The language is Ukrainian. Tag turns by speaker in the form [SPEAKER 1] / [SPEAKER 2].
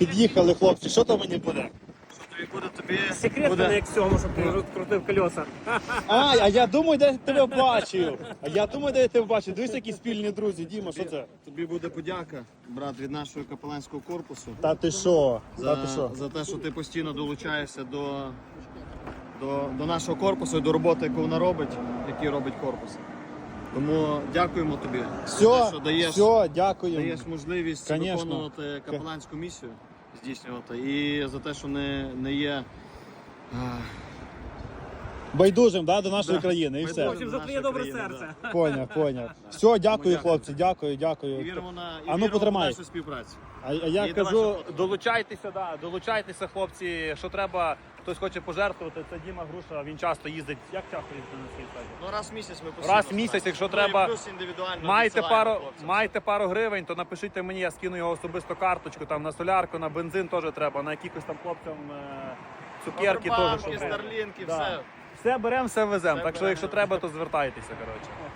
[SPEAKER 1] Під'їхали, хлопці, що то мені буде?
[SPEAKER 2] Секрет
[SPEAKER 1] буде.
[SPEAKER 2] не як цьому, щоб ти розкрутив колеса.
[SPEAKER 1] А я думаю, де я тебе бачив. Дивись, які спільні друзі. Діма, що це?
[SPEAKER 3] Тобі буде подяка, брат, від нашого капеланського корпусу.
[SPEAKER 1] Та ти що?
[SPEAKER 3] За те, що ти постійно долучаєшся до нашого корпусу і до роботи, яку вона робить, який робить корпус. Тому дякуємо тобі за те, що
[SPEAKER 1] Все, дякую.
[SPEAKER 3] даєш можливість
[SPEAKER 1] Конечно.
[SPEAKER 3] виконувати капеланську місію, здійснювати. І за те, що не є
[SPEAKER 1] Байдужим, да, до нашої країни і все.
[SPEAKER 2] В общем, за твоє добре серце.
[SPEAKER 1] Поняв. Все, дякую, хлопці, дякую.
[SPEAKER 3] і віримо на
[SPEAKER 1] А ну, потримай.
[SPEAKER 3] нашу співпрацю.
[SPEAKER 1] А я
[SPEAKER 3] І
[SPEAKER 1] кажу,
[SPEAKER 3] давай,
[SPEAKER 4] долучайтеся, хлопці, що треба, хтось хоче пожертвувати, це Діма Груша, він часто їздить. Як часто їздить на свій стадіон?
[SPEAKER 3] Ну, раз в місяць ми постійно.
[SPEAKER 4] Раз в місяць, якщо треба,
[SPEAKER 3] плюс індивідуально
[SPEAKER 4] Маєте
[SPEAKER 3] відсилаємо хлопцям.
[SPEAKER 4] маєте пару гривень, то напишіть мені, я скину його особисто карточку, там на солярку, на бензин теж треба, на якихось там хлопцям цукерки теж.
[SPEAKER 3] Павербанки,
[SPEAKER 4] щоб-
[SPEAKER 3] старлінки,
[SPEAKER 4] Да.
[SPEAKER 3] все.
[SPEAKER 4] Все беремо, все веземо.
[SPEAKER 3] Все
[SPEAKER 4] Так що,
[SPEAKER 3] беремо.
[SPEAKER 4] якщо треба, то звертайтеся, коротше.